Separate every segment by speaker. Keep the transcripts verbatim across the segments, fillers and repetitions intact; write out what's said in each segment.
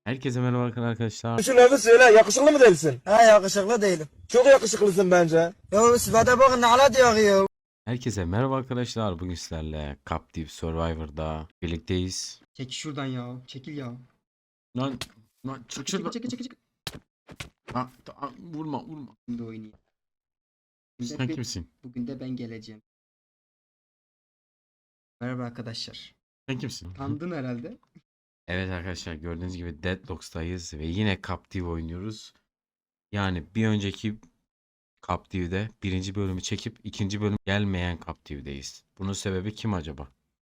Speaker 1: Herkese merhaba arkadaşlar.
Speaker 2: Şu lafı söyle, yakışıklı mı değilsin?
Speaker 3: Ha yakışıklı değilim.
Speaker 2: Çok yakışıklısın bence.
Speaker 3: Ya sıfata bakın ne ala diyor ya.
Speaker 1: Herkese merhaba arkadaşlar. Bugün sizlerle Captive Survivor'da birlikteyiz.
Speaker 4: Çekil şuradan ya. Çekil ya.
Speaker 1: Lan lan çık
Speaker 4: Çekil
Speaker 1: şuradan.
Speaker 4: çekil çekil çekil.
Speaker 1: Ha, ta- vurma vurma.
Speaker 4: Şimdi oynayayım. Bugün de
Speaker 1: Sen
Speaker 4: bir-
Speaker 1: kimsin?
Speaker 4: Bugün de ben geleceğim. Merhaba arkadaşlar.
Speaker 1: Sen kimsin?
Speaker 4: Tanıdın herhalde.
Speaker 1: Evet arkadaşlar, gördüğünüz gibi Deadlocks'tayız ve yine Captive oynuyoruz. Yani bir önceki Captive'de birinci bölümü çekip ikinci bölüm gelmeyen Captive'deyiz. Bunun sebebi kim acaba?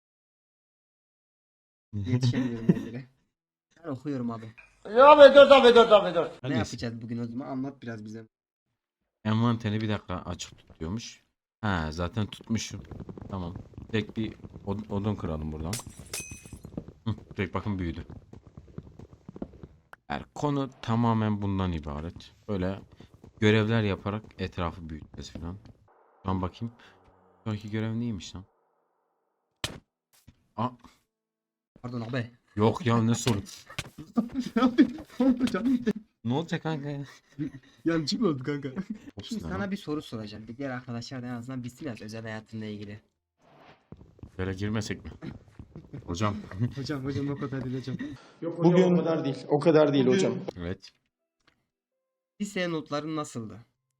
Speaker 4: Yetişemiyorum yerlere. Ben okuyorum abi.
Speaker 2: Ya abi dur abi dur abi dur.
Speaker 4: Ne
Speaker 1: Hangisi?
Speaker 4: yapacağız bugün o zaman? Anlat biraz bize.
Speaker 1: Envanteri bir dakika açık tutuyormuş. Ha, zaten tutmuşum. Tamam. Tek bir od- odun kıralım buradan. Hı, direkt bakın büyüdü. Yani konu tamamen bundan ibaret. Böyle görevler yaparak etrafı büyüteceğiz falan. Ben bakayım. Sonraki görev neymiş lan? Aa,
Speaker 4: Pardon abi.
Speaker 1: yok ya, ne sorun?
Speaker 4: Canım.
Speaker 1: Ne olacak kanka ya?
Speaker 4: Yancı mı oldu kanka?
Speaker 1: Ops
Speaker 4: Şimdi
Speaker 1: lan.
Speaker 4: sana bir soru soracağım. Bir diğer arkadaşlar da en azından bilsin biraz özel hayatınla ilgili.
Speaker 1: Böyle girmesek mi? Hocam.
Speaker 4: Hocam hocam o kadar değil hocam.
Speaker 2: Bugün o kadar değil. O kadar değil hocam.
Speaker 1: Evet.
Speaker 4: Lise notların nasıldı?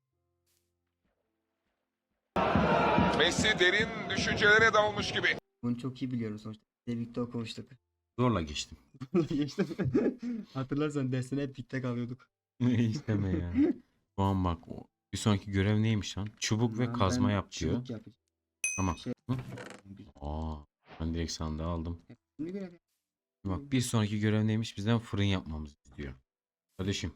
Speaker 5: Messi derin düşüncelere dalmış gibi.
Speaker 4: Bunu çok iyi biliyorum sonuçta. Birlikte okumuştuk.
Speaker 1: Zorla geçtim.
Speaker 4: Geçtim. Hatırlarsan dersine hep dikte kalıyorduk.
Speaker 1: İsteme ya. Şu an bak, o- bir sonraki görev neymiş lan? Çubuk ve
Speaker 4: Lan
Speaker 1: kazma
Speaker 4: ben
Speaker 1: yap diyor.
Speaker 4: çubuk yapacağım.
Speaker 1: Tamam.
Speaker 4: Şey-
Speaker 1: Hı? Aa, ben direkt sandığı aldım.
Speaker 4: Şimdi görev yap.
Speaker 1: Bak, bir sonraki görev neymiş? Bizden fırın yapmamızı istiyor. Kardeşim.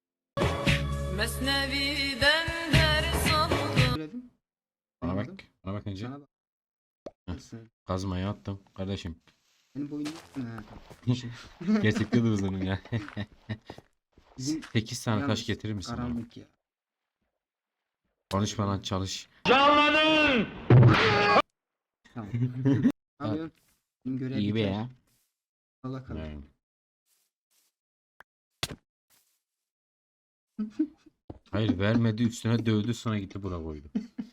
Speaker 6: Mesnevi'den ders aldım.
Speaker 4: Görevim.
Speaker 1: Bana
Speaker 4: Anladım.
Speaker 1: bak. Bana bak önce.
Speaker 4: Sana bak.
Speaker 1: Heh.
Speaker 4: Nasıl?
Speaker 1: Kazmayı attım. Kardeşim.
Speaker 4: Benim boyum yok. Ha, tamam.
Speaker 1: Gerçekten de uzunum ya.
Speaker 4: Bizim
Speaker 1: sekiz tane taş
Speaker 4: yalnız
Speaker 1: getirir misin bana?
Speaker 4: karanlık ya.
Speaker 1: Konuşma lan, çalış.
Speaker 4: Tamam. Ne yapıyorsun? Benim görev
Speaker 1: İyi be
Speaker 4: biter.
Speaker 1: ya.
Speaker 4: Allah kalır.
Speaker 1: Yani. Hayır, vermedi, üstüne dövdü, sonra gitti bura koydu.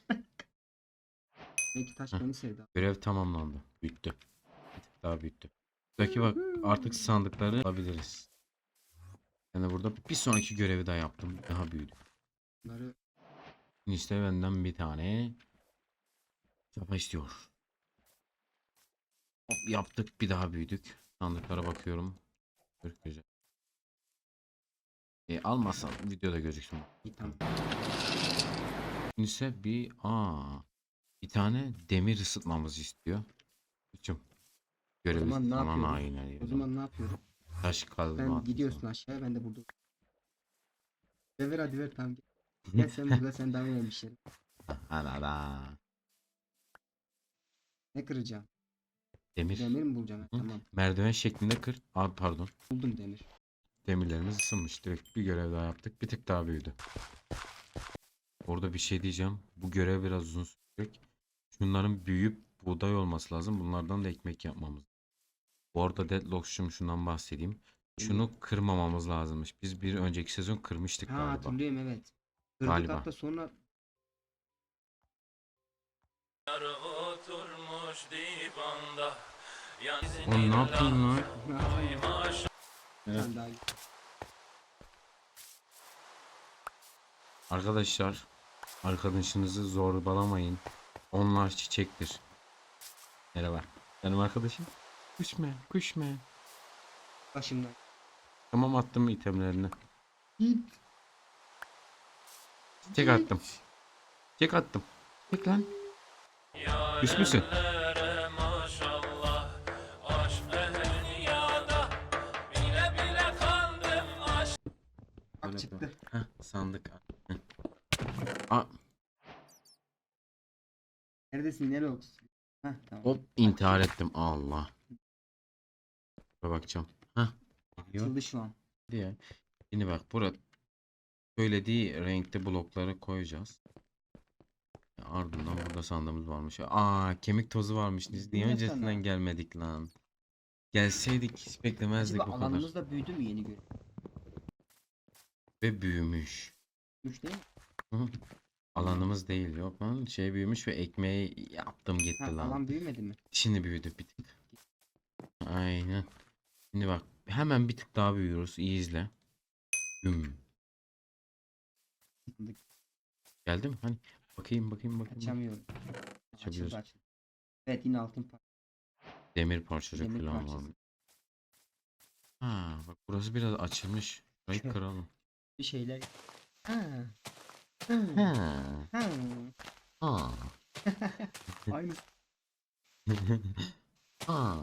Speaker 4: Belki taş
Speaker 1: Heh.
Speaker 4: beni sevdi.
Speaker 1: Görev tamamlandı. Büyüttü. Bir tık daha büyüttü. Buradaki bak, artık sandıkları alabiliriz. Ben de burada bir sonraki görevi daha yaptım. Daha büyüdü.
Speaker 4: Bunları
Speaker 1: İşte benden bir tane çapa istiyor. Hop, yaptık, bir daha büyüdük. Sandıklara bakıyorum. Çok güzel. E, almazsam videoda gözüksün.
Speaker 4: iyi tamam.
Speaker 1: Ise bir aa bir tane demir ısıtmamızı istiyor. Üçüm. Görevi
Speaker 4: zaman ne
Speaker 1: falan
Speaker 4: yapıyorum?
Speaker 1: aynen.
Speaker 4: O zaman ne yapıyorum?
Speaker 1: Taş kazma
Speaker 4: Sen
Speaker 1: atıyorsun.
Speaker 4: gidiyorsun aşağıya ben de burada. Ver ver hadi ver tamam. Gel, Gel sen burada sen devam etmişsin.
Speaker 1: Anada.
Speaker 4: Ne kıracağım?
Speaker 1: Demir.
Speaker 4: Demir mi bulacağım? Ha,
Speaker 1: Hı?
Speaker 4: tamam.
Speaker 1: Merdiven şeklinde kır. Abi pardon.
Speaker 4: Buldum demir.
Speaker 1: Demirlerimiz ısınmış. Direkt bir görev daha yaptık. Bir tık daha büyüdü. Orada bir şey diyeceğim. Bu görev biraz uzun sürecek. Şunların büyüyüp buğday olması lazım. Bunlardan da ekmek yapmamız. Bu arada Deadlocks'cum şundan bahsedeyim. Şunu kırmamamız lazımmış. Biz bir önceki sezon kırmıştık
Speaker 4: Ha
Speaker 1: galiba.
Speaker 4: hatırlıyorum evet. Kırdık
Speaker 1: Galiba.
Speaker 4: hatta sonra
Speaker 6: Oturmuş divanda.
Speaker 1: Oğlum ne yapayım lan? Evet.
Speaker 4: sen daha
Speaker 1: Arkadaşlar, arkadaşınızı zorbalamayın. Onlar çiçektir. Merhaba. Benim arkadaşım. Kuşme, kuşme.
Speaker 4: başımdan.
Speaker 1: Tamam, attım itemlerini.
Speaker 4: Git.
Speaker 1: Çek attım. Çek attım. Çek lan. Küs müsün?
Speaker 6: Maşallah. Aşk ehli yada. Bile bile kandım aşk.
Speaker 4: Bak çıktı.
Speaker 1: Heh, sandık. Heh. Aa,
Speaker 4: Neredesin nereye olsun? Heh tamam.
Speaker 1: hop, intihar ettim. Allah. Şuna bakacağım. Heh.
Speaker 4: Açıldı şu an.
Speaker 1: Diye. Şimdi bak, burada söylediği renkte blokları koyacağız. Ardından burada sandığımız varmış. Aa, kemik tozu varmış. Biz niye
Speaker 4: Yine
Speaker 1: öncesinden
Speaker 4: sana.
Speaker 1: gelmedik lan? Gelseydik hiç beklemezdik
Speaker 4: Acaba
Speaker 1: bu kadar.
Speaker 4: alanımız da büyüdü mü yeni göre?
Speaker 1: Ve büyümüş.
Speaker 4: Üç değil mi?
Speaker 1: Hı. Alanımız değil yok lan. Şey büyümüş ve ekmeği yaptım gitti
Speaker 4: Ha,
Speaker 1: lan.
Speaker 4: alan büyümedi mi?
Speaker 1: Şimdi büyüdü bir tık. Aynen. Şimdi bak hemen bir tık daha büyüyoruz. İyi izle. Güm. Geldi mi? Hani bakayım bakayım bakayım.
Speaker 4: Açamıyorum.
Speaker 1: Açabiliyoruz.
Speaker 4: Açıldı açıldı. Evet yine altın par.
Speaker 1: Demir parçacık
Speaker 4: Demir
Speaker 1: falan
Speaker 4: parçası.
Speaker 1: var. Ha bak burası biraz açılmış. Şurayı
Speaker 4: Şöyle.
Speaker 1: kıralım.
Speaker 4: Bir şeyler. Ha. Ha.
Speaker 1: Ha.
Speaker 4: Ha.
Speaker 1: Ha.
Speaker 4: Aynı.
Speaker 1: Ha.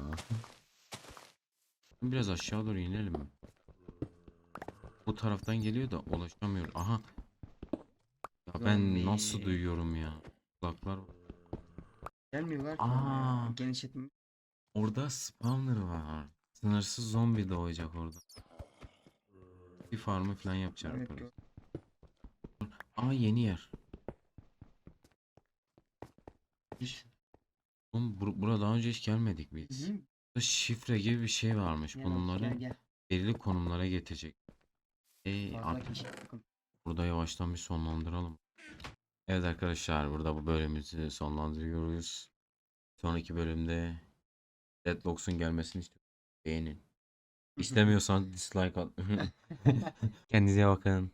Speaker 1: Biraz aşağı doğru inelim mi? Bu taraftan geliyor da ulaşamıyor. Aha. Ya ben
Speaker 4: Zombi.
Speaker 1: nasıl duyuyorum ya? Kulaklar.
Speaker 4: Gelmiyorlar ki.
Speaker 1: Aa.
Speaker 4: Genişletme.
Speaker 1: Orada spawner var. Sınırsız zombi doğacak orada. Bir farmı falan yapacak
Speaker 4: Evet,
Speaker 1: orada.
Speaker 4: gör-
Speaker 1: Aa yeni yer. Hiç. Oğlum bur burada daha önce hiç gelmedik biz.
Speaker 4: Hı hı.
Speaker 1: Burada şifre gibi bir şey varmış.
Speaker 4: Gel Oğuz,
Speaker 1: Bunları
Speaker 4: gel gel.
Speaker 1: belirli konumlara getirecek. Ee,
Speaker 4: Fazla
Speaker 1: artık
Speaker 4: kişi takım.
Speaker 1: burada yavaştan bir sonlandıralım. Evet arkadaşlar burada bu bölümümüzü sonlandırıyoruz. Sonraki bölümde Deadlocks'un gelmesini istiyorum. Beğenin. İstemiyorsan dislike at. Kendinize bakın.